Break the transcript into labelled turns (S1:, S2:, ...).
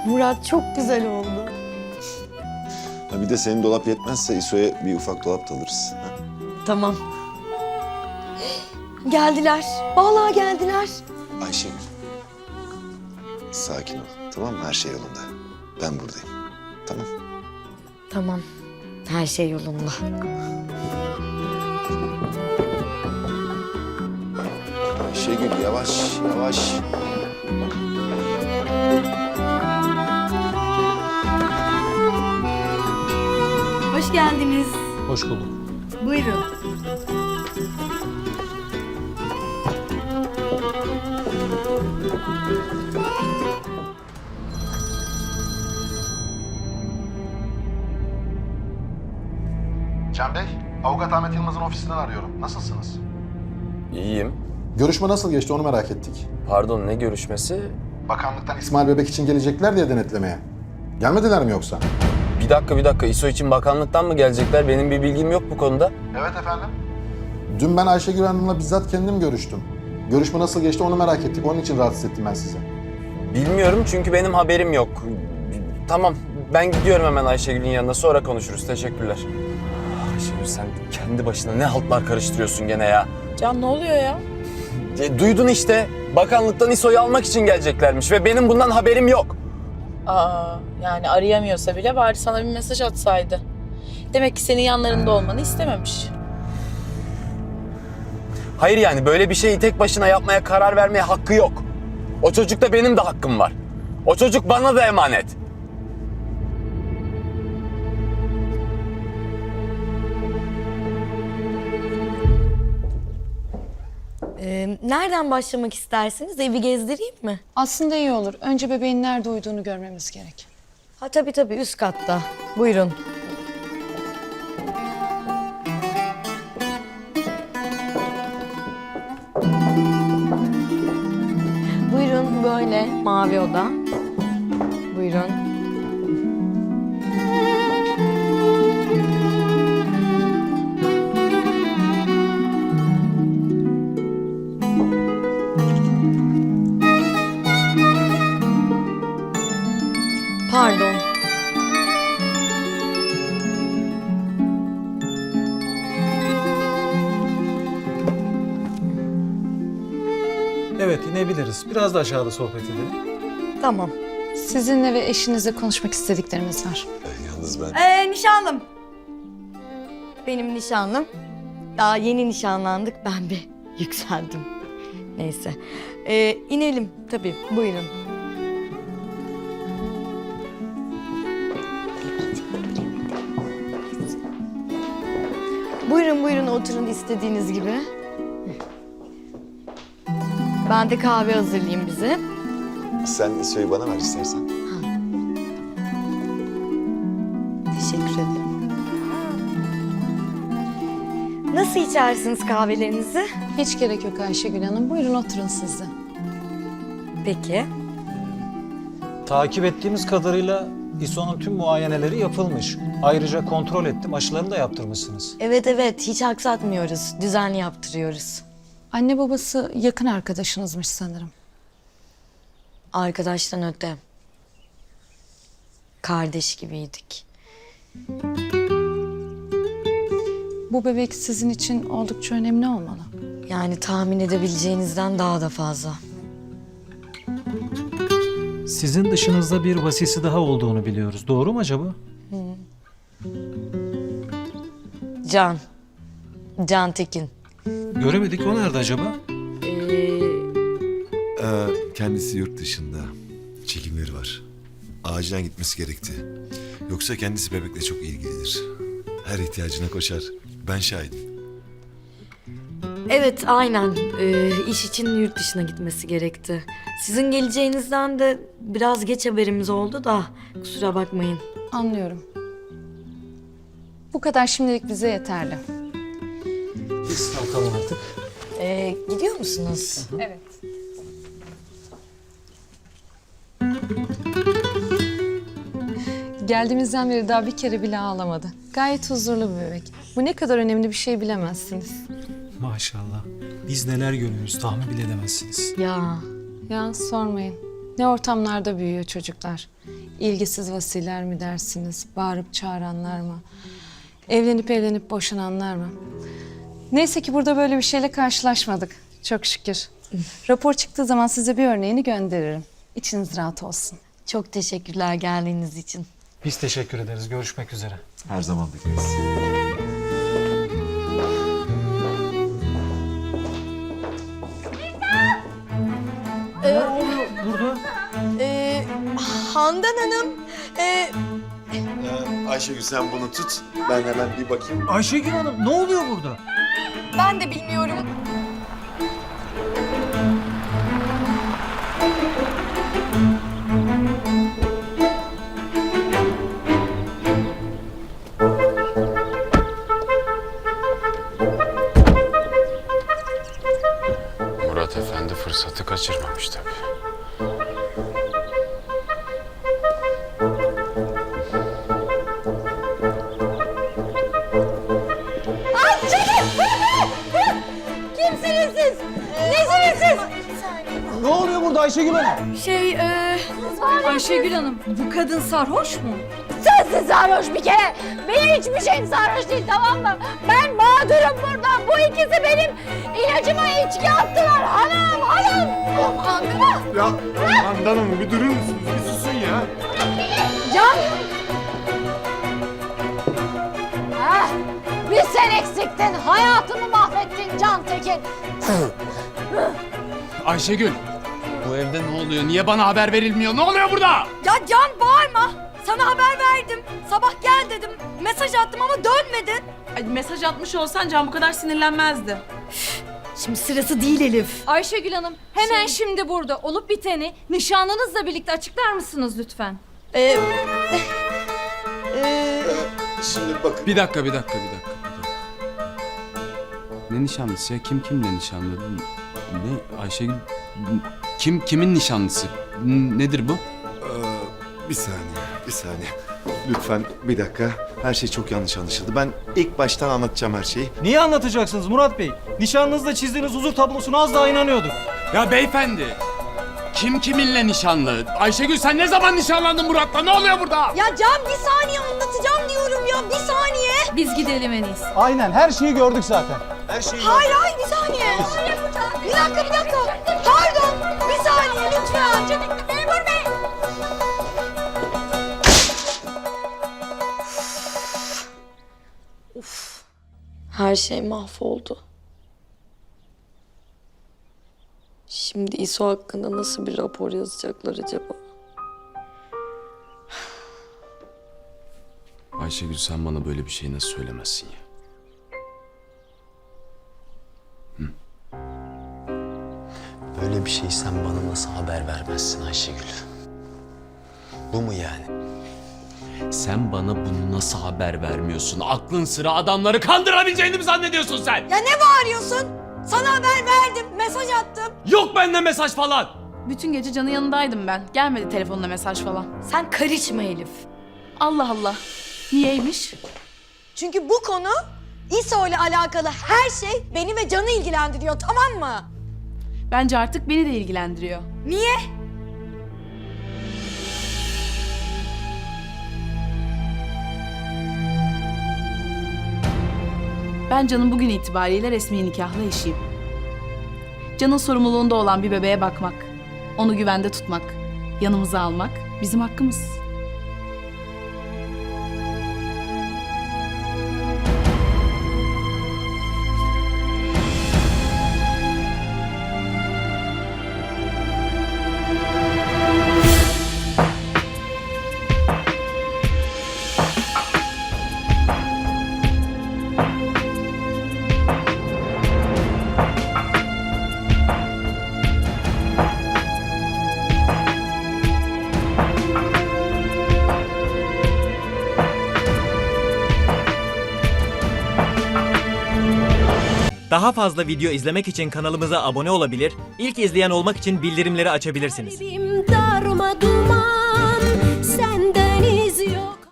S1: Murat çok güzel oldu.
S2: Ha bir de senin dolap yetmezse İso'ya bir ufak dolap da alırız. Ha?
S1: Tamam. Geldiler. Vallahi geldiler.
S2: Ayşegül. Sakin ol. Tamam mı? Her şey yolunda. Ben buradayım. Tamam.
S1: Tamam. Her şey yolunda.
S2: Ayşegül yavaş yavaş.
S1: Hoş geldiniz.
S3: Hoş bulduk.
S1: Buyurun.
S4: Can Bey, Avukat Ahmet Yılmaz'ın ofisinden arıyorum. Nasılsınız?
S5: İyiyim.
S4: Görüşme nasıl geçti onu merak ettik.
S5: Pardon, ne görüşmesi?
S4: Bakanlıktan İsmail Bebek için gelecekler diye denetlemeye. Gelmediler mi yoksa?
S5: Bir dakika. İSO için bakanlıktan mı gelecekler? Benim bir bilgim yok bu konuda.
S4: Evet efendim. Dün ben Ayşegül Hanım'la bizzat kendim görüştüm. Görüşme nasıl geçti onu merak ettik. Onun için rahatsız ettim ben sizi.
S5: Bilmiyorum çünkü benim haberim yok. Tamam, ben gidiyorum hemen Ayşegül'ün yanına. Sonra konuşuruz. Teşekkürler. Ayşegül sen kendi başına ne haltlar karıştırıyorsun gene ya.
S6: Can ne oluyor ya?
S5: Duydun işte. Bakanlıktan İSO'yu almak için geleceklermiş ve benim bundan haberim yok.
S6: Yani arayamıyorsa bile bari sana bir mesaj atsaydı. Demek ki senin yanlarında olmanı istememiş.
S5: Hayır yani böyle bir şeyi tek başına yapmaya karar vermeye hakkı yok. O çocukta benim de hakkım var. O çocuk bana da emanet.
S1: Nereden başlamak istersiniz? Evi gezdireyim mi?
S7: Aslında iyi olur. Önce bebeğin nerede uyuduğunu görmemiz gerek.
S1: Ha tabii üst katta. Buyurun. Buyurun böyle mavi oda. Buyurun. Pardon.
S3: Evet, inebiliriz. Biraz da aşağıda sohbet edelim.
S1: Tamam.
S7: Sizinle ve eşinizle konuşmak istediklerimiz var.
S2: Yalnız ben...
S1: Nişanlım. Benim nişanlım. Daha yeni nişanlandık. Ben bir yükseldim. Neyse. İnelim tabii. Buyurun. Buyurun oturun istediğiniz gibi. Ben de kahve hazırlayayım bize.
S2: Sen İso'yu bana ver istersen.
S1: Teşekkür ederim. Nasıl içersiniz kahvelerinizi?
S7: Hiç gerek yok Ayşegül Hanım. Buyurun oturun siz de.
S1: Peki.
S3: Takip ettiğimiz kadarıyla İSO'nun tüm muayeneleri yapılmış. Ayrıca kontrol ettim, aşılarını da yaptırmışsınız.
S1: Evet hiç aksatmıyoruz. Düzenli yaptırıyoruz.
S7: Anne babası yakın arkadaşınızmış sanırım.
S1: Arkadaştan öte. Kardeş gibiydik.
S7: Bu bebek sizin için oldukça önemli olmalı.
S1: Yani tahmin edebileceğinizden daha da fazla.
S3: Sizin dışınızda bir vasisi daha olduğunu biliyoruz. Doğru mu acaba?
S1: Can Tekin.
S3: Göremedik. O nerede acaba?
S8: Kendisi yurt dışında. Çekimleri var. Acilen gitmesi gerekti. Yoksa kendisi bebekle çok ilgilidir. Her ihtiyacına koşar. Ben şahidim.
S1: Evet aynen. İş için yurt dışına gitmesi gerekti. Sizin geleceğinizden de biraz geç haberimiz oldu da kusura bakmayın.
S7: Anlıyorum. Bu kadar şimdilik bize yeterli.
S3: Biz kalkalım artık.
S1: Gidiyor musunuz?
S7: Evet. Geldiğimizden beri daha bir kere bile ağlamadı. Gayet huzurlu bir bebek. Bu ne kadar önemli bir şey bilemezsiniz.
S3: Maşallah. Biz neler görüyoruz tahmin bile edemezsiniz.
S1: Ya
S7: Ya sormayın. Ne ortamlarda büyüyor çocuklar. İlgisiz vasiler mi dersiniz? Bağırıp çağıranlar mı? Evlenip boşananlar mı? Neyse ki burada böyle bir şeyle karşılaşmadık. Çok şükür. Rapor çıktığı zaman size bir örneğini gönderirim. İçiniz rahat olsun.
S1: Çok teşekkürler geldiğiniz için.
S3: Biz teşekkür ederiz. Görüşmek üzere.
S2: Her zaman bekleriz.
S1: Handan Hanım,
S2: Ayşegül sen bunu tut. Ben hemen bir bakayım.
S3: Ayşegül Hanım ne oluyor burada?
S1: ben de bilmiyorum.
S5: Murat Efendi fırsatı kaçırmamış tabii.
S1: Kimsiniz siz? Nesiniz siz?
S3: Ne oluyor burada Ayşegül Hanım?
S7: Ayşegül Hanım, bu kadın sarhoş mu?
S9: Sensin sarhoş bir kere. Benim hiçbir şeyim sarhoş değil, tamam mı? Ben mağdurum burada. Bu ikisi benim ilacıma içki attılar. Hanım, hanım. Hanım.
S2: Ya Handan Hanım bir durur musunuz? Bir susun ya.
S9: Can. Ah, bir sen eksiktin. Hayatımı mahvettin Can Tekin.
S10: Ayşegül, bu evde ne oluyor? Niye bana haber verilmiyor? Ne oluyor burada?
S1: Ya Can bağırma. Sana haber verdim. Sabah gel dedim. Mesaj attım ama dönmedin.
S6: Ay, mesaj atmış olsan Can bu kadar sinirlenmezdi.
S1: Şimdi sırası değil Elif.
S7: Ayşegül Hanım, hemen şimdi burada olup biteni nişanlınızla birlikte açıklar mısınız lütfen?
S2: Şimdi bakın.
S10: Bir dakika. Ne nişanlısı ya? Kim kimle nişanlı? Ne Ayşegül? Kimin nişanlısı? Nedir bu?
S8: Bir saniye. Lütfen bir dakika. Her şey çok yanlış anlaşıldı. Ben ilk baştan anlatacağım her şeyi.
S3: Niye anlatacaksınız Murat Bey? Nişanınızda çizdiğiniz huzur tablosuna az daha inanıyorduk.
S10: Ya beyefendi, kim kiminle nişanlı? Ayşegül sen ne zaman nişanlandın Murat'la? Ne oluyor burada?
S1: Ya Can bir saniye anlatacağım diyorum ya. Bir saniye.
S7: Biz gidelim en iyisi.
S3: Aynen her şeyi gördük zaten.
S1: Hayır bir saniye. Bir dakika. Pardon. Bir saniye lütfen. Memur Bey. Uf. Her şey mahvoldu. Şimdi İso hakkında nasıl bir rapor yazacaklar acaba?
S10: Ayşegül sen bana böyle bir şey nasıl söylemezsin ya?
S5: Böyle bir şey sen bana nasıl haber vermezsin Ayşegül? Bu mu yani?
S10: Sen bana bunu nasıl haber vermiyorsun? Aklın sıra adamları kandırabileceğini mi zannediyorsun sen?
S1: Ya ne bağırıyorsun? Sana haber verdim, mesaj attım.
S10: Yok bende mesaj falan.
S6: Bütün gece Can'ın yanındaydım ben. Gelmedi telefonla mesaj falan.
S1: Sen karışma Elif.
S6: Allah Allah. Niyeymiş?
S1: Çünkü bu konu İso ile alakalı her şey beni ve Can'ı ilgilendiriyor, tamam mı?
S6: Bence artık beni de ilgilendiriyor.
S1: Niye?
S6: Ben Can'ın bugün itibariyle resmi nikahlı eşiyim. Can'ın sorumluluğunda olan bir bebeğe bakmak, onu güvende tutmak, yanımıza almak bizim hakkımız.
S11: Daha fazla video izlemek için kanalımıza abone olabilir, ilk izleyen olmak için bildirimleri açabilirsiniz.
S9: Darma duman, senden iz yok.